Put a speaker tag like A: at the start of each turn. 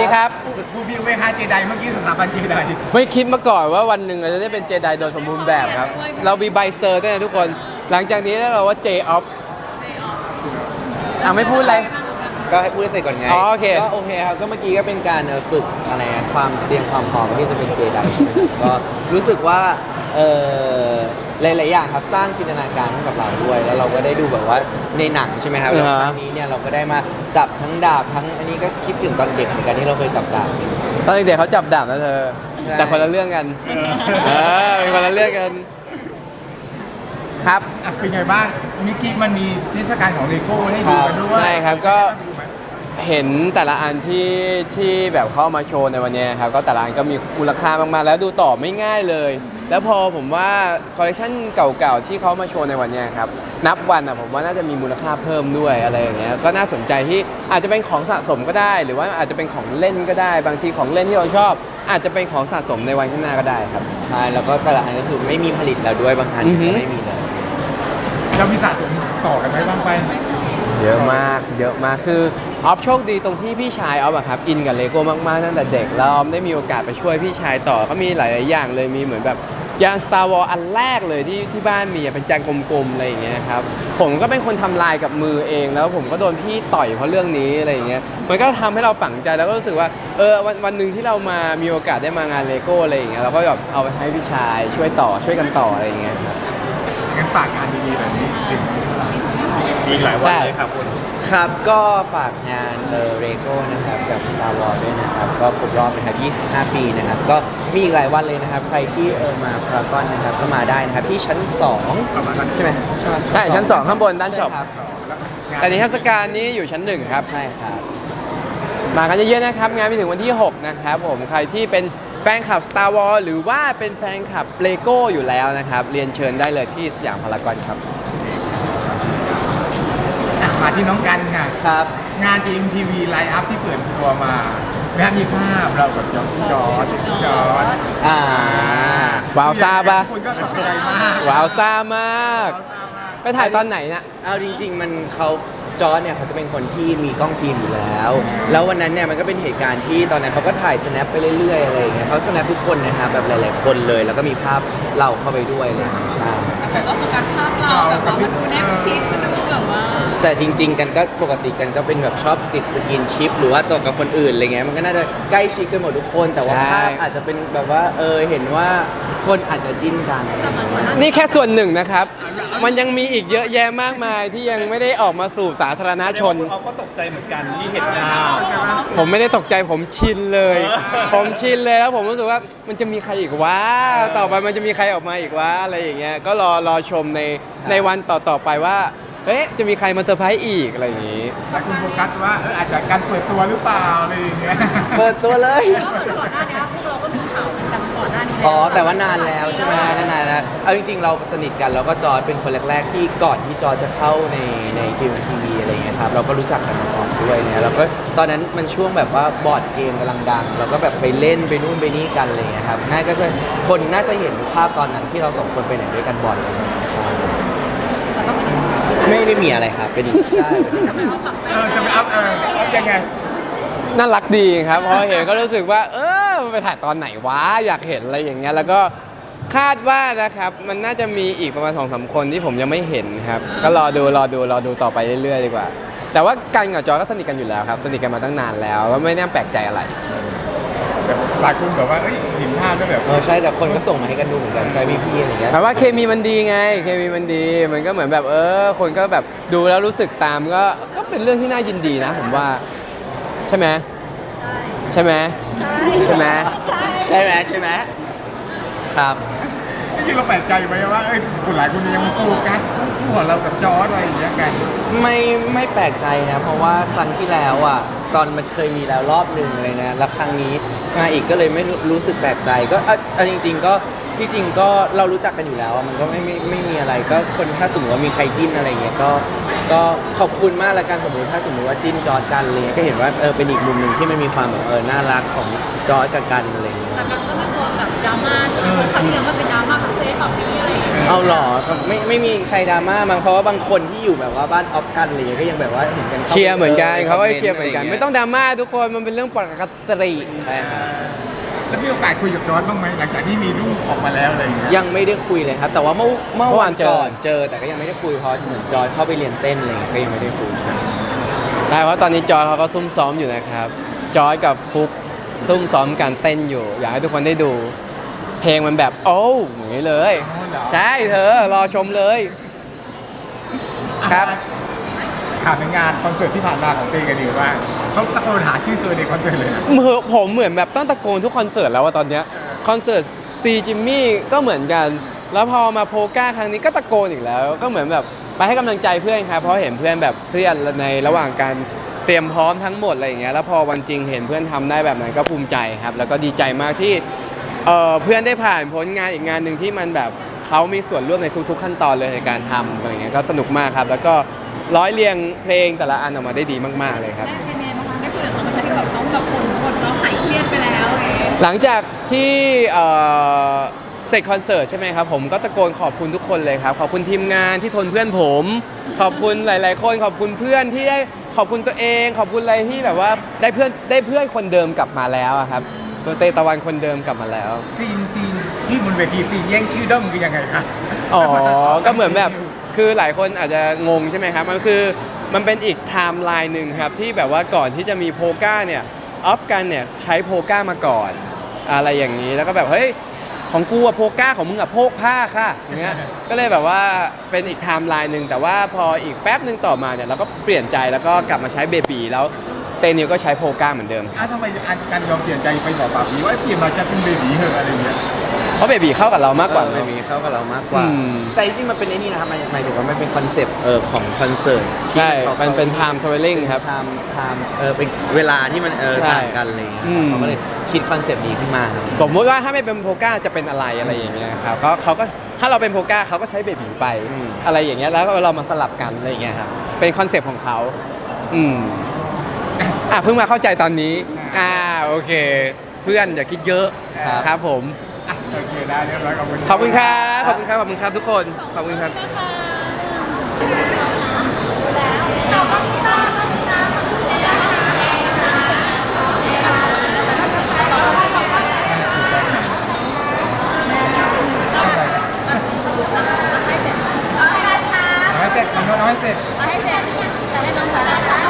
A: ดีครับ
B: คุณวิวไหมคะเจไดเมื่อกี้สถาบันเจได
A: ไม่คิดมาก่อนว่าวันหนึ่งเราจะได้เป็นเจไดโดยสมบูรณ์แบบครับเรามีใบเซอร์ด้วยนะทุกคนหลังจากนี้แล้วเราว่าเจออฟไม่พูดอะไร
C: ก็ให้พูดให้เสร็จก่อนไง
A: โอเค
C: ก็โอเคครับก็เมื่อกี้ก็เป็นการฝึกอะไรความเตรียมความพร้อมที่จะเป็นเจไดก็รู้สึกว่าหลายๆอย่างครับสร้างจินตนาการให้กับเราด้วยแล้วเราก็ได้ดูแบบว่าในหนังใช่ไหมครับแล้วครั้งนี้เนี่ยเราก็ได้มาจับทั้งดาบทั้งอันนี้ก็คิดถึงตอนเด็กเหมือนกันที่เราเคยจับดาบ
A: ตอนเด็กเขาจับดาบนะเธอแต่คนละเรื่องกันเป็นคนละเรื่องกันครับ
B: เป็นไงบ้างมิกกี้มันมีเทศกาลของเลโก้ให้ดูกันด้วย
A: ใช่ครับก็เห็นแต่ละอันที่แบบเข้ามาโชว์ในวันนี้ครับก็แต่ละอันก็มีมูลค่ามากๆแล้วดูต่อไม่ง่ายเลยแล้วพอผมว่าคอลเลคชันเก่าๆที่เขามาโชว์ในวันนี้ครับนับวันผมว่าน่าจะมีมูลค่าเพิ่มด้วยอะไรอย่างเงี้ยก็น่าสนใจที่อาจจะเป็นของสะสมก็ได้หรือว่าอาจจะเป็นของเล่นก็ได้บางทีของเล่นที่เราชอบอาจจะเป็นของสะสมในวันข้างหน้าก็ได้ครับ
C: ใช่แล้วก็แต่ละอันก็คือไม่มีผลิตแล้วด้วยบางอันก็ไม่มีเลย
B: เรามีสะสมต่อกันไหมบ้างไป
A: เยอะมากคือออฟโชคดีตรงที่พี่ชายออฟครับอินกับเลโก้มากๆตั้งแต่เด็กแล้วออฟได้มีโอกาสไปช่วยพี่ชายต่อก็มีหลายๆอย่างเลยมีเหมือนแบบยาน Star Wars อันแรกเลยที่บ้านมีเป็นจานกลมๆอะไรอย่างเงี้ยครับผมก็เป็นคนทำลายกับมือเองแล้วผมก็โดนพี่ต่อยเพราะเรื่องนี้อะไรอย่างเงี้ยมันก็ทำให้เราฝังใจแล้วก็รู้สึกว่าวันหนึ่งที่เรามามีโอกาสได้มางานเลโก้อะไรอย่างเงี้ยเราก็แบบเอาไปให้พี่ชายช่วยกันต่ออะไรอย่างเงี้ยครับ
B: งั้นฝากงานดีๆแบบนี้อีกหลายวันเลยครับคุณ
C: ครับก็ฝากงานเรโก้นะครับกับ Star Wars ด้วยนะครับก็ครบรอบนะครับ25 ปีนะครับก็มีอีกหลายวันเลยนะครับใครที่มาพารากอนนะครับก็มาได้นะครับที่ชั้น2ใช่ไหม
A: ใช่ชั้น2ข้างบนด้านช็อปแต่นิทรรศการนี้อยู่ชั้น1ครับ
C: ใช่ครับ
A: มากันเยอะๆนะครับงานไปถึงวันที่6นะครับผมใครที่เป็นแฟนคลับ Star Wars หรือว่าเป็นแฟนคลับเลโก้อยู่แล้วนะครับเรียนเชิญได้เลยที่สยามพารากอนครับ
B: มาที่น้องกันค่ะ
C: ครับ
B: งาน GMTV ไลน์อัพที่เปิดตัวมามีภาพเรากับจอร์จ
A: ว้าวซ่าปะ
B: คนก็ตกใจมาก
A: ว้าวซ่ามากไปถ่ายตอนไหนนะ
C: เอาจริงๆมันจอร์จเนี่ยเขาจะเป็นคนที่มีกล้องฟิล์มอยู่แล้ววันนั้นเนี่ยมันก็เป็นเหตุการณ์ที่ตอนนั้นเขาก็ถ่ายสแนปไปเรื่อยๆอะไรอย่างเงี้ยเขาสแนปทุกคนนะครับแบบหลายๆคนเลยแล้วก็มีภาพเราเข้าไปด้วยเลยใช่
D: แต่ก็โฟกัสภาพเราแบบว่ามันดูแนบชิดมันดูแบบว่า
C: แต่จริงๆกันก็ปกติกันก็เป็นแบบชอบติดสกินชิปหรือว่าตัวกับคนอื่นอะไรเงี้ยมันก็น่าจะใกล้ชิดกันหมดทุกคนแต่ว่าภาพอาจจะเป็นแบบว่าเห็นว่าคนอาจจะจิ้นกัน
A: นี่แค่ส่วนหนึ่งนะครับมันยังมีอีกเยอะแยะมากมายที่ยังไม่ได้ออกมาสู่สาธารณชน
B: เขาก็ตกใจเหมือนกันที่เห็น
A: ผมไม่ได้ตกใจผมชินเลยแล้วผมรู้สึกว่ามันจะมีใครอีกวะต่อไปมันจะมีใครออกมาอีกวะอะไรอย่างเงี้ยก็รอชมในวันต่อไปว่าจะมีใครมาเซอร์ไพรส์อีกอะไรอย่างงี้
B: แต่คุณโฟกัสว่าอาจจะการเปิดตัวหรือเปล่าอะไรอย่างเงี้ย
C: เปิดตัวเลย
D: ก่อนหน้านี้พวกเราก็มีข่าวกันก่อนหน้านี้
C: แต่ว่านานแล้วใช่ไหมนานแล้วเอาจริงๆเราสนิทกันแล้วก็จอร์จเป็นคนแรกๆที่ก่อนที่จอร์จจะเข้าในGMTVอะไรเงี้ยครับเราก็รู้จักกันมาก่อนด้วยเนี่ยแล้วก็ตอนนั้นมันช่วงแบบว่าบอร์ดเกมกำลังดังเราก็แบบไปเล่นไปนู่นไปนี่กันอะไรเงี้ยครับคนน่าจะเห็นภาพตอนนั้นที่เราสองคนไปไหนด้วยกันบ่อยเลยไม่ได้มีอะไรครับเป็นใช่
B: จะไปอัพยังไง
A: น่ารักดีครับพอเห็นก็รู้สึกว่าไปถ่ายตอนไหนวะอยากเห็นอะไรอย่างเงี้ยแล้วก็คาดว่านะครับมันน่าจะมีอีกประมาณ 2-3 คนที่ผมยังไม่เห็นครับก็รอดูต่อไปเรื่อยๆดีกว่าแต่ว่ากันกับจอก็สนิทกันอยู่แล้วครับสนิทกันมาตั้งนานแล้วก็ไม่น่าแปลกใจอะไร
B: หลายคนแบบว่าเห็นภาพแล้วแบบ
C: ใช่แต่คนก็ส่งมาให้กันดูเหมือนกันใช่พี่อะไรเงี้ย
A: แต่ว่าเคมีมันดีไงเคมีมันดีมันก็เหมือนแบบคนก็แบบดูแล้วรู้สึกตามก็เป็นเรื่องที่น่ายินดีนะผมว่าใช่ไหมใช่ไหมครับ
B: จริงเราแปลกใจไหมว่าคนหลายคนยังโฟกัสคู่ของเรากับจอร์จอะไรอย่างเงี้ยกัน
C: ไม่แปลกใจนะเพราะว่าครั้งที่แล้วตอนมันเคยมีแล้วรอบหนึ่งเลยนะแล้วครั้งนี้มาอีกก็เลยไม่รู้สึกแปลกใจก็จริงๆก็ที่จริงก็เรารู้จักกันอยู่แล้วมันก็ไม่มีอะไรก็คนถ้าสมมติว่ามีใครจิ้นอะไรเงี้ยก็ขอบคุณมากละกันถ้าสมมติว่าจิ้นจอร์จกันเลยก็เห็นว่าเป็นอีกมุมหนึ่งที่มันมีความแบบน่ารักของจอร์จกับกันอะไรเงี้ย
D: แต่กันก็ไม่กลัวแบบดราม่าใช่ไหมครั้งที่แล้วมันเป็นดราม่าแบบเซ่ไปแบบนี้อะไรอย่างเงี้ย
C: เอาหรอไม่มีใครดราม่ามั้งเพราะว่าบางคนที่อยู่แบบว่าบ้านออฟกันอะไรอย่างเงี้ยก็ยังแบบว่าเห็นกันข้าไป
A: เชียร์เหมือนกันเขาก็
C: ค
A: เชียร์เหมือนกัน ไม่ต้องดราม่าทุกคนมันเป็นเรื่องปกติ
C: ใช่ครับ
B: แล้วมีโอกาสคุยกับจอร์ดบ้างไหมหลังจากที่มีรูปออกมาแล้วอะไรอย่างเงี้ย
C: ยังไม่ได้คุยเลยครับ แต่ว่าเมื่อ
A: เมื่อ
C: วั
A: วาน นเจอ
C: ก่อนเจอ แต่ก็ยังไม่ได้คุยเพราะเหมือนจอยเข้าไปเรียนเต้นอะไรอย่างเงี้ยก็ยังไม่ได้คุยใช่
A: ใช่เพราะตอนนี้จอยเขาก็ซุ่มซ้อมอยู่นะครับจอยกับฟุกซุ่มซ้อมการเต้นอยู่ อยากให้ทุกคนได้ดู เพลงมันแบบโอ้วอย่างนี้เลย
B: อ๋อเหรอ
A: ใช่เธอรอชมเลย ครับ
B: ถามในงานคอนเสิร์ตที่ผ่านมาของเต้กันดีว่าเขาตะโกนหาชื่อเธอในคอนเสิร์ตเลยนะ
A: ผมเหมือนแบบต้องตะโกนทุกคอนเสิร์ตแล้วว่าตอนเนี้ยคอนเสิร์ตซีจิมมี่ก็เหมือนกัน แล้วพอมาโพก้าครั้งนี้ก็ตะโกนอีกแล้ว ก็เหมือนแบบไปให้กำลังใจเพื่อนครับเพราะเห็นเพื่อนแบบเครียดในระหว่างการเตรียมพร้อมทั้งหมดอะไรอย่างเงี้ยแล้วพอวันจริงเห็นเพื่อนทำได้แบบนั้นก็ภูมิใจครับ แล้วก็ดีใจมากที่เพื่อนได้ผ่านพ้นงานอีกงานหนึ่งที่มันแบบเขามีส่วนร่วมในทุกๆขั้นตอนเลยในการทำอะไรอย่างเงี้ยก็สนุกมากครับแล้วก็ร้อยเรียงเพลงแต่ละอันออกมาได้ดีมากๆเลยครับ
D: ได้เป็นไงบ้างคะได้คุยกับเขาไหมคะที่แบบเขาแบบบ่นเราหายเครียดไปแล้วเอง
A: หลังจากที่เสร็จคอนเสิร์ตใช่ไหมครับผมก็ตะโกนขอบคุณทุกคนเลยครับขอบคุณทีมงานที่ทนเพื่อนผม ขอบคุณหลาย ๆ คนขอบคุณเพื่อนที่ได้ขอบคุณตัวเอง ขอบคุณอะไรที่แบบว่าได้เพื่อนคนเดิมกลับมาแล้วอะครับตัวเตตะวันคนเดิมกลับมาแล้ว
B: ซีนที่บนเวทีซีนแย่งชื่อด้อมคือยังไงคะ
A: อ๋อ ก็เหมือนแบบคือหลายคนอาจจะงงใช่ไหมครับมันเป็นอีกไทม์ไลน์หนึ่งครับที่แบบว่าก่อนที่จะมีโพก้าเนี่ยออฟกันเนี่ยใช้โพก้ามาก่อนอะไรอย่างนี้แล้วก็แบบเฮ้ยของกูอะโพก้าของมึงอะโพกผ้าค่ะอย่างเงี้ยก็เลยแบบว่าเป็นอีกไทม์ไลน์หนึ่งแต่ว่าพออีกแป๊บหนึ่งต่อมาเนี่ยเราก็เปลี่ยนใจแล้วก็กลับมาใช้เบบีแล้วเตนิวก็ใช้โพก้าเหมือนเดิม
B: ทำไมอันการยอมเปลี่ยนใจไปบอกป่าบีว่าเปลี่ยนมาจะเป็นเบบีเหอะอะไรอย่างเงี้ย
A: เพราะเบบีเข้ากับเรามากกว่า
C: ไม่
A: เนอะ
C: มีเข้ากับเรามากกว่า
A: อืม
C: แต่จริงๆมันเป็นไอ้นี่นะครับหมายถึงว่ามันเป็นคอนเซปต์ของคอนเสิร์ตที่
A: ใช่
C: ขา
A: มันเป็น time traveling ครับ
C: ไทม์เป็นเวลาที่มัน
A: ใช่
C: ต่างกันอะไรอย่างเงี้ย
A: อืม
C: เขาก็เลยคิดคอนเซปต์นี้ขึ้นมาครับ
A: สมมติว่าถ้าไม่เป็นโพก้าจะเป็นอะไรอะไรอย่างเงี้ยครับเขาก็ถ้าเราเป็นโพก้าเขาก็ใช้เบบีไป
C: อืม
A: อะไรอย่างเงี้ยแล้วเรามาสลับกันอะไรอย่างเงี้ยครับเป็นคอนเซปต์ของเขาอืมเพิ่งมาเข้าใจตอนนี้โอเค เพื่อนอย่าคิดเยอะครับผม
B: อ่ะโอเคได้เรียบร้อยขอบคุณ
A: ขอบคุณครับขอบคุณครับขอบคุณครับทุกคนขอบคุณครับ
B: น้อยเสร็จน้อยเสร็จ
D: เอาให้เสร็จจะให้น้องสาว